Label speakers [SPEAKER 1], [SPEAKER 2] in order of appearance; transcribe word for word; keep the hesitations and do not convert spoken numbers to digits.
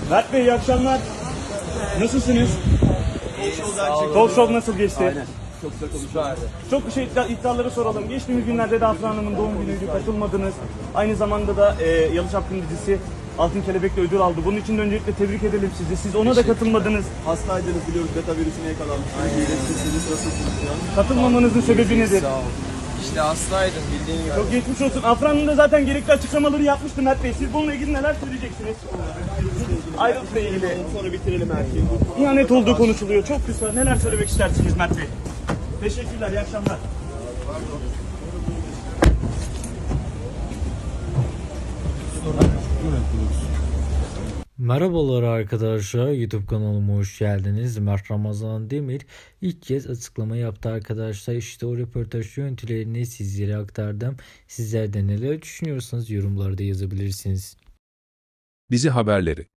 [SPEAKER 1] Mert Bey iyi akşamlar. Nasılsınız? Talk show nasıl geçti?
[SPEAKER 2] Aynen. Çok güzel konuşuyorlardı.
[SPEAKER 1] Çok şey iddia- iddiaları soralım. Geçtiğimiz günlerde de Afra Hanım'ın doğum günüydü, katılmadınız. Aynı zamanda da e, Yalı Çapkın dizisi Altın Kelebek'le ödül aldı. Bunun için de öncelikle tebrik edelim sizi. Siz ona da katılmadınız.
[SPEAKER 2] Hastaydınız biliyoruz, beta virüsüne yakalanmışsınız. İyileşmişsiniz, nasılsınız şu an?
[SPEAKER 1] Katılmamanızın sebebi nedir?
[SPEAKER 3] Sağ ol. İşte hastaydım bildiğin gibi.
[SPEAKER 1] Çok geçmiş olsun. Afra Hanım da zaten gerekli açıklamaları yapmıştı Mert Bey. Siz bununla ilgili neler söyleyeceksiniz? Ayrılıkla ilgili.
[SPEAKER 2] Sonra bitirelim her şeyi.
[SPEAKER 1] İhanet olduğu konuşuluyor. Çok kısa. Neler söylemek istersiniz Mert Bey? Teşekkürler. İyi akşamlar.
[SPEAKER 4] Merhabalar arkadaşlar, YouTube kanalıma hoş geldiniz. Mert Ramazan Demir ilk kez açıklama yaptı arkadaşlar. İşte o röportaj görüntülerini sizlere aktardım. Sizler de neler düşünüyorsanız yorumlarda yazabilirsiniz.
[SPEAKER 5] Dizi haberleri